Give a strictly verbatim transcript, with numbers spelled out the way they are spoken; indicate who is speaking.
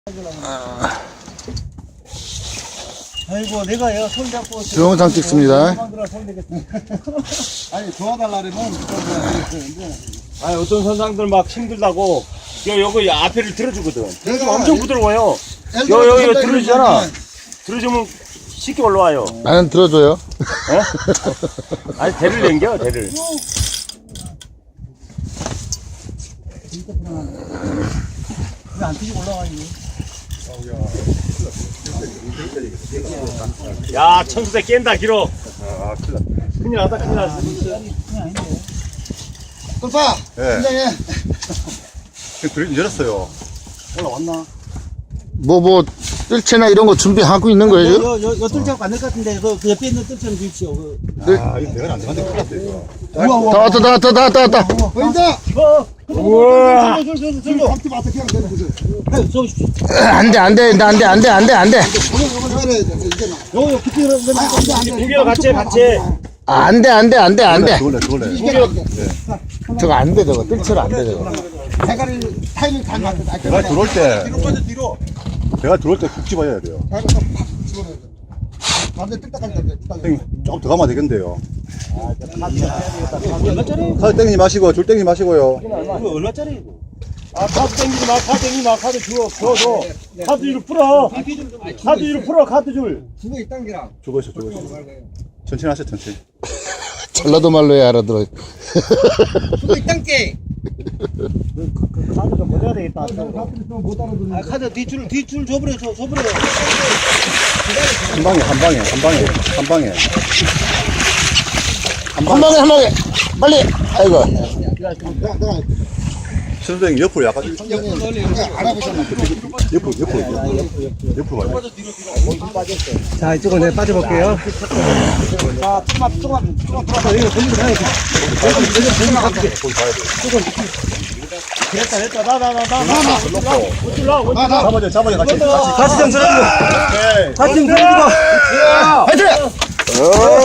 Speaker 1: 아...
Speaker 2: 아이고 내가 얘가 손 잡고
Speaker 1: 동영상 찍습니다.
Speaker 2: 아니 도와달라면
Speaker 3: 아니 어떤 선상들 막 힘들다고 여 여기 앞에를 들어주거든.
Speaker 2: 내가
Speaker 3: 엄청 부드러워요. 여 여기 여 들어주잖아. 들어주면 쉽게 올라와요.
Speaker 1: 나는 들어줘요.
Speaker 3: 어? 아니 대를 당겨 대를.
Speaker 2: 왜안 뛰고 올라와 이거?
Speaker 3: 야 천수대 깬다 길어. 아 큰일 났다. 큰일 났다 큰일 났어.
Speaker 2: 꿀빠
Speaker 4: 예.
Speaker 2: 긴장해.
Speaker 4: 불이 열었어요.
Speaker 2: 올라왔나?
Speaker 1: 뭐, 뭐, 뜰채나 이런 거 준비하고 있는 거예요? 지금?
Speaker 2: 여, 여, 여 뜰채가 안 될 것 같은데 그, 그 옆에 있는 뜰채는 주십시오. 그.
Speaker 4: 아, 이거 내가 안 되는데 큰일 났다, 이거.
Speaker 2: 우와
Speaker 1: 다
Speaker 2: 우와.
Speaker 1: 왔다, 다 왔다, 다 왔다, 다 왔다.
Speaker 2: 보인다.
Speaker 3: 우와.
Speaker 2: 저저저저 감지 마서 그냥 되는 거지. 해, 저
Speaker 1: 안 돼, 안 돼, 안 돼, 안 돼, 안 돼, 안 돼.
Speaker 2: 요거 요거 잘해야 돼. 이제 요 요 kitty 는 안돼 안돼.
Speaker 3: 두개로 같이 같이.
Speaker 1: 아, 안 돼, 안 돼, 안 돼, 안 돼.
Speaker 4: 그걸래, 그걸래.
Speaker 1: 저거 안 돼, 저거. 뜰채로 안 돼, 저거.
Speaker 2: 대가리 타이밍 잘 맞다.
Speaker 4: 내가 들어올 때,
Speaker 2: 뒤로 빠져 뒤로.
Speaker 4: 내가 들어올 때 푹 집어야 돼요.
Speaker 2: 대가리 팍 집어넣어야 돼. 반대 뜰때까지 돼.
Speaker 4: 형님, 조금 더 가면 되겠는데요.
Speaker 2: 얼마짜리?
Speaker 4: 카드 땡기지 마시고, 줄 땡기지 마시고요.
Speaker 2: 이거 얼마짜리 이거?
Speaker 3: 아 카드 땡기지 마 카드 땡기지 마 카드 줘 줘 줘. 카드 줄 풀어. 카드 줄 풀어 카드 줄.
Speaker 2: 그거 있단 기랑.
Speaker 4: 주고 있어, 주고 있어. 천천히 하세요, 천천히.
Speaker 1: 전라도 말로 해야 알아들어.
Speaker 2: 그거 있단 게.
Speaker 3: 카드 좀 보내야 되겠다.
Speaker 2: 못 알아듣는. 아 카드 뒷줄 뒷줄 줘버려 줘 줘버려.
Speaker 4: 한 방에, 한 방에, 한 방에, 한 방에.
Speaker 1: 한 방에, 한 방에. 빨리. 아이고.
Speaker 2: 내가 내가
Speaker 4: 선생님 옆으로 약간,
Speaker 2: 형님 널리 알아보잖아.
Speaker 4: 옆으로, 옆으로, 옆으로, 옆으로 가요.
Speaker 2: 자 이쪽은 내가 빠져볼게요. 자 조금만 조금만 조금만 돌아서 이거 돌리고 가야 돼.
Speaker 3: 됐다 됐다 나 나 나 나나 올라 올라
Speaker 4: 잡아줘, 잡아줘, 같이. 같이.
Speaker 2: 같이 좀 들어주고.
Speaker 4: 오케이.
Speaker 2: 같이 좀 들어주고.
Speaker 1: 화이팅!